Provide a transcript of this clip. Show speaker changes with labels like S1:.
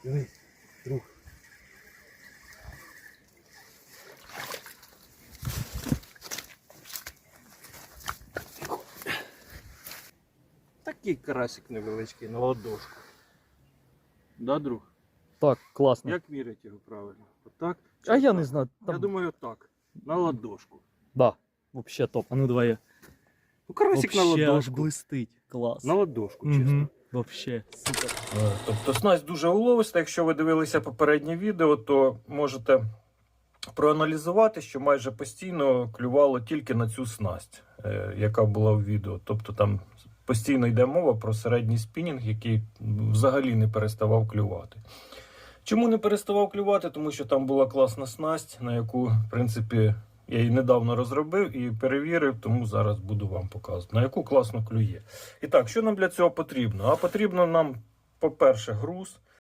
S1: Диви, друг. Такий карасик невеличкий на ладошку. Да, друг?
S2: Так, класно.
S1: Як мірять його правильно? Отак?
S2: А я не знаю.
S1: Я думаю, так. На ладошку.
S2: Да, вообще топ. А ну давай я.
S1: Ну, карасик на
S2: Вообще аж
S1: ладошку.
S2: блистить. Клас.
S1: На ладошку, чесно.
S2: Угу. Вообще, супер.
S1: Тобто снасть дуже уловиста. Якщо ви дивилися попереднє відео, то можете проаналізувати, що майже постійно клювало тільки на цю снасть, яка була в відео. Тобто там постійно йде мова про середній спінінг, який взагалі не переставав клювати. Чому не переставав клювати? Тому що там була класна снасть, на яку, в принципі, я її недавно розробив і перевірив, тому зараз буду вам показувати, на яку класно клює. І так, що нам для цього потрібно? А потрібно нам, по-перше, груз.